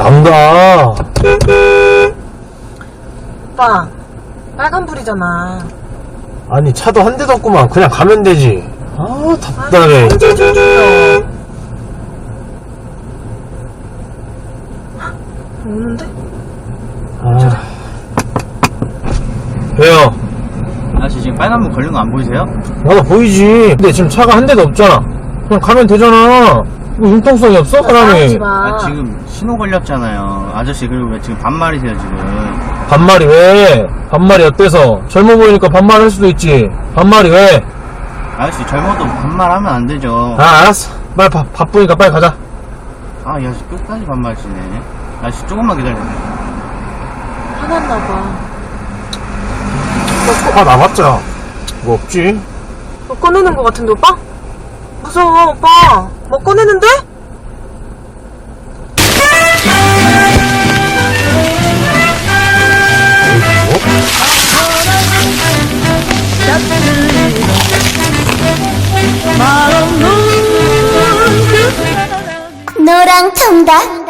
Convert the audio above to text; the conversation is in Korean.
안 가? 오빠, 빨간불이잖아. 아니, 차도 한 대도 없구만. 그냥 가면 되지. 아, 답답해. 언제 좀 줄여. 오는데? 아. 왜요? 아저씨 지금 빨간불 걸린 거 안 보이세요? 나도 보이지. 근데 지금 차가 한 대도 없잖아. 그냥 가면 되잖아. 뭐 융통성이 없어, 사람이? 싸우지 마. 아 지금 신호 걸렸잖아요. 아저씨 그리고 왜 지금 반말이세요 지금? 반말이 왜? 반말이 어때서? 젊어 보이니까 반말할 수도 있지. 반말이 왜? 아저씨 젊어도 반말하면 안 되죠. 아, 알았어. 빨리 바쁘니까 빨리 가자. 아 이 아저씨 끝까지 반말하시네. 아저씨 조금만 기다려요. 화났나봐. 아, 나봤자. 뭐 없지? 뭐 꺼내는 거 같은데, 오빠? 무서워, 오빠. 뭐 꺼내는데? 노랑 통닭